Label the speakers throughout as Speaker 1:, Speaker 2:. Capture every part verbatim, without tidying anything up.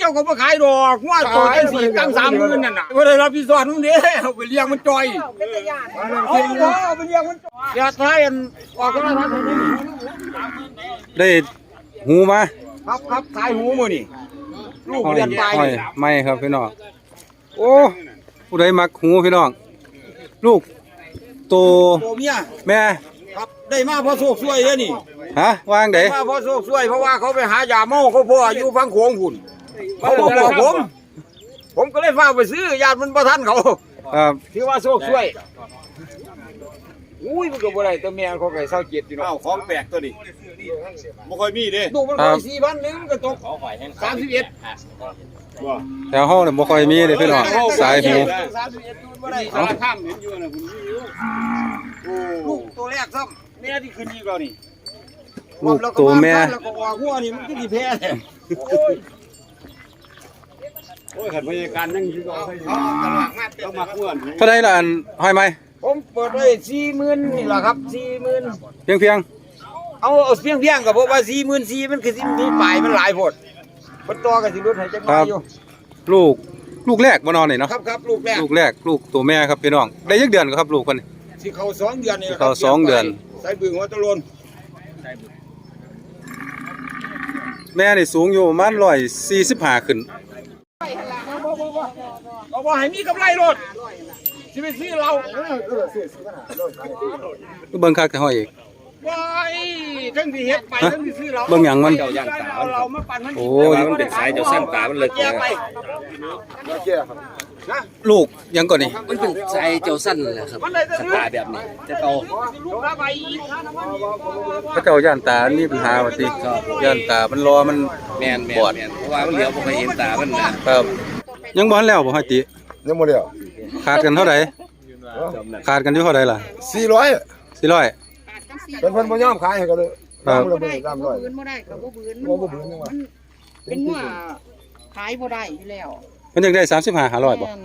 Speaker 1: จ้าก็มาขายดอกว่าตัวไอ้สี่ตั้งสามหมื่นนั่นน่ะว่าได้รับผิดชอบนู่นนี่เอาไปเลี้ยงมันจอยเอาเอาไปเลี้ยงมันอย่าท้ายอันออกก็ได้ครับ
Speaker 2: ได้หูมา
Speaker 1: ครับครับขายหูมือนี่ลูก
Speaker 2: ห้อย
Speaker 1: เรียนไป
Speaker 2: ห้อยไม่ครับพี่น้องโอ้ผู้ใดมักหูพี่น้องลูกโต
Speaker 1: โตเมีย
Speaker 2: แม่
Speaker 1: ครับได้มาเพราะโชคช่วยเด้อนี่
Speaker 2: ฮะวางได
Speaker 1: ได้มาเพราะโชคช่วยเพราะว่าเขาไปหายาเมาเขาพ่ออยู่ฟังโขงหุ่นเขาบอกบอกผม ผมก็เลยฝากไปซื้อญาติมันประทันเขา
Speaker 2: ครับ
Speaker 1: ถือว่าโชคช่วยอุ้ยมันก็บ่ได้แต่แม่เขาไก่เศร้าเจ็ดอยู่เนาะ
Speaker 3: อ้าวของแปลกตัวนี้บ่ค่อยมีเด้
Speaker 1: ดูมันร้อยสี่พันหนึงมันก็ตกสามสิบเอ็ด
Speaker 3: บ่
Speaker 2: แถวห้องเนี่ยบ่ค่อยมีเลยพี่น้องสายหู
Speaker 1: สามสิบเอ็ดดูบ่ได้
Speaker 3: สารข้ามเห็นอยู่น่ะคุณมีอยู่โอ้
Speaker 1: ลูกตัวแรกซ้ำแม่ที่ขึ้นอีกแล้วนี่
Speaker 2: ลูกตัวแม่
Speaker 1: แล้วก็ออกหัวนี่มันก็สิแพ้เนี่ย
Speaker 3: โอ้ยขันพยาการนั่งอยู่ก็ให้อยู่ต้องมาอ้วน
Speaker 2: เท่าไรล่ะอันห้อยไหม
Speaker 1: ผมเปิดไว้สี่หมื่นนี่แหละครับสี่หมื่น
Speaker 2: เพียงเพียง
Speaker 1: เอาเอาเพียงเพียงๆกับเพราะว่าสี่หมื่นสี่มันคือสิมีปลายมันหลายโพดมันต่อกันสิรถให้จังหวะอยู่
Speaker 2: ลูกลูกแรกบ่นอนนี่เนาะ
Speaker 1: ครับครับลูกแรก
Speaker 2: ลูกแรกลูกตัวแม่ครับพี่น้องได้ยักเดือนครับลูกเพิ่น
Speaker 1: สิเข้าสองเดือนนี่แหละ
Speaker 2: สิเข้าสองเดือน
Speaker 1: ใส่บึงหัวตะลน
Speaker 2: แม่นี่สูงอยู่ประมาณร้อยสี่สิบห้าขึ้น
Speaker 1: เอาว่าให้มีกำไรรถสิไปซื้อเรา
Speaker 2: เบิ่งคักแต่ห้อยอีก
Speaker 1: ว้ายทั้งที่เฮ็ดไปทั้งที่ซื้อเรา
Speaker 2: เบิ่งหยังมัน
Speaker 1: เอาเรามาปั่นมัน
Speaker 2: โอ้
Speaker 1: ย
Speaker 2: มันเป็นสายเจ้าสั้นตามันเลิก
Speaker 1: แยกไปนะ
Speaker 2: ลูกหยังก่อนนี่
Speaker 4: มันเป็นสายเจ้าสั้นเลยครับ
Speaker 1: มันได้แต่
Speaker 4: ส
Speaker 1: ซื้อ
Speaker 4: ตาร์แบบนี้จะเอา
Speaker 1: ลูกค้าไปอีกนะมันอีก
Speaker 2: พระเจ้าย่านตามีปัญหาว่าติย่านตามันรอมัน
Speaker 4: แมนแม
Speaker 2: บ
Speaker 4: น
Speaker 2: อด
Speaker 4: แมนเพราะว่ามันเหลียวบ่เคยเห็นตามันนะครับ
Speaker 2: ยังบ่ทันแล้วบ่ห้อยติ
Speaker 3: ยังบ่เดียว
Speaker 2: ขาดกันเท่าไหร่ขาดกันอยู่เท่าไหร่ล่ะ
Speaker 3: สี่ร้อย
Speaker 2: สี่ร้อย
Speaker 3: เป็นเพิ่นบ่ยอมขายให้ก็เลย
Speaker 2: ครับ
Speaker 3: บ่
Speaker 5: บ่
Speaker 3: ได้
Speaker 5: ได้
Speaker 3: ตาม
Speaker 5: ก็
Speaker 3: ร้อย
Speaker 5: บ่บืนบ่ได้ก็บ่บืน
Speaker 3: บ่บ่บืนจังหวะ
Speaker 5: มันเป็นหัวขายบ่ได้อยู่แล้ว
Speaker 2: มันยังได้สามสิบห้า ห้าร้อยบ่
Speaker 5: แม่น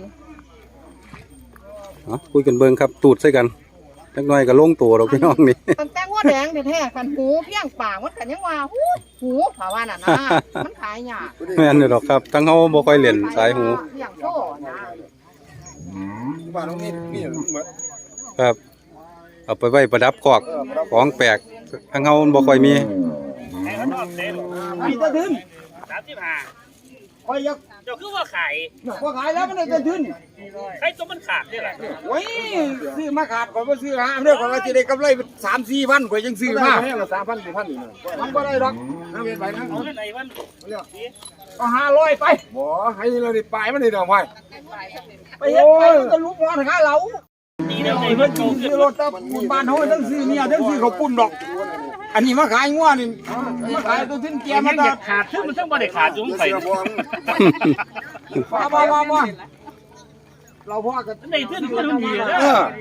Speaker 2: เนาะคุยกันเบิ่งครับตูดใส่กันจักหน่อยก็ลงตัวดอกพี่น้องนี่
Speaker 5: ตั้งแต่หัวแดงแท้ๆคันหูเพียงปากมันก็ยังว่าหูหูภาวาน่ะนะ มันขายยาก
Speaker 2: แม่นอยู่ดอกครับทั้งเฮาบ่ค่อยเล่นสายหู
Speaker 5: เพียงโตนะ
Speaker 3: บ้านน้องนี่มีหมด
Speaker 2: ครับเอาไปไว้ประดับคอกของแปลกทั้งเฮาบ่ค่อยมี
Speaker 1: มีแต่ทุน
Speaker 6: สามสิบห้า
Speaker 1: คอยยัก
Speaker 6: เจ้าคือว่าขาย
Speaker 1: พอขายแล้วมันได้แต่ทุน
Speaker 6: ใครตัวมันขาดเนี่ยแหละ
Speaker 1: โอ้ยซื้อมาขาดก่อนมาซื้อหาเรื่องก่อนว่าจะได้กำไรสามสี่พันกว่ายังซื้อมา
Speaker 3: ให้ละสามพันสี่พันนี่
Speaker 1: มันก็ได้หรอกน้ำเวียนไปนะ
Speaker 6: เอาเท่าไหร่มัน
Speaker 1: ก็ห้าร้อยไป
Speaker 3: บ่ให้เราได้ปลายมันนี่ดอกไม้
Speaker 1: ไปเฮ็ดไปมันก็ลุกร้อนหาเรา
Speaker 6: ดีแล้วใน
Speaker 1: ไอ้
Speaker 6: เพื่
Speaker 1: เพิ่
Speaker 6: อน น
Speaker 1: ซื้อรถตับบ้านเฮาทั้งซื้อเนี่ยทั้งซื้อข้าวปุ้นดอก อันนี้มาขายงัวนี่มาขายตัวทิ้นเกียร์มา
Speaker 6: มัน
Speaker 1: ตั
Speaker 6: อยา
Speaker 1: ด
Speaker 6: กขาดซึ่งมันต้องบ่ได้ขาดจุ้งไป
Speaker 1: มามามามาเราพ่อกัน
Speaker 6: ในเพื่อนมันดีเลย
Speaker 1: เออ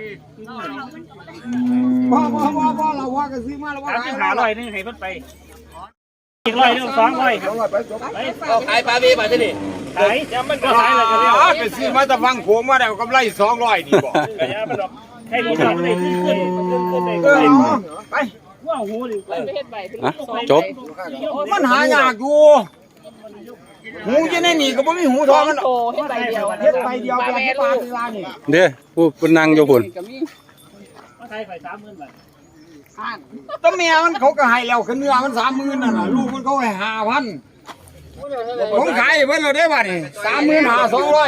Speaker 1: พ่อพ่อพ่อพ่อเราพ่อกันซื้อมาแล้วว่า
Speaker 6: สาม
Speaker 1: ขา
Speaker 6: สิ
Speaker 1: ย
Speaker 6: บห้าร้อยนึงให้เพิ่นไปอีกร้อยนึงสองร้อยครับ
Speaker 4: เอาขายปลาเบี้ยมาที่นี่
Speaker 6: ขายยังมันก็ขายเลยก็เรียก
Speaker 1: ไปซื้อมาตะฟังโขงมาได้กำไรสองร้อยนี่บอก
Speaker 6: ก็ยังมันดอกให้ผมทำได้ขึ้นขึ้นขึ้นขึ้นได้
Speaker 1: เอ
Speaker 6: ขึ้
Speaker 1: อน ไป
Speaker 6: ว่าหูดิ
Speaker 2: ฮะจบ
Speaker 1: มันหายากอยู่หูจะในนี่ก็บ่มีหูทองมัน
Speaker 5: โตเฮ็ดใบเดียว
Speaker 1: เฮ็ดใบเดียวแบบที่ปลาที่ลานี่
Speaker 2: เด้อผู้เพิ่นนั่งอยู่พุ่น
Speaker 6: มาขายไปสามหมื่นบาท
Speaker 1: ต้นเมียมันเขาก็ให้แล้วคือเนื้อมันสามหมื่นนั่นน่ะลูกมันเขาให้ห้าพันผมขายเพิ่นเราได้บ่นี่สามหมื่นห้าสองร้อย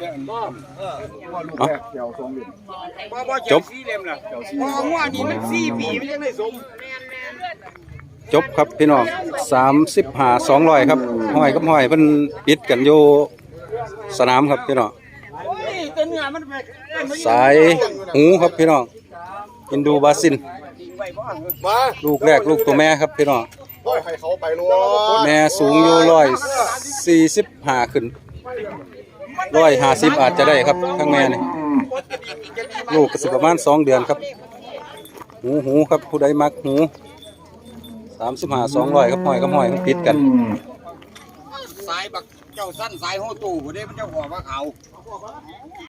Speaker 2: จบ
Speaker 1: สี่เล่มล่ะพองัวนี่มันสี่ปีมันยังได้สม
Speaker 2: จบครับพี่น้องสามสิบห้า สองร้อยครับห้อยกับห้อยเพิ่นปิดกันอยู่สนามครับพี่น้อง
Speaker 1: โอ้ยแต่เนื้อมันไป
Speaker 2: สายหูครับพี่น้องอินดูบาซิน
Speaker 3: มา
Speaker 2: ลูกแรกลูกตัวแม่ครับพี่น้อง
Speaker 3: โอ้ยให้เขาไปโลด
Speaker 2: แม่สูงอยู่ร้อยสี่สิบห้าขึ้นร้อยห้าสิบอาจจะได้ครับทั้งแม่นี่ลูกก็สิประมาณสองเดือนครับหูหูครับผู้ใดมักหูสามสิบห้าสองร้อยครับห้อยกับห้อยมันปิดกัน
Speaker 1: สายบักเจ้าสั้นสายโหตู่บ่ได้มันเจ้าหัวว่าเขา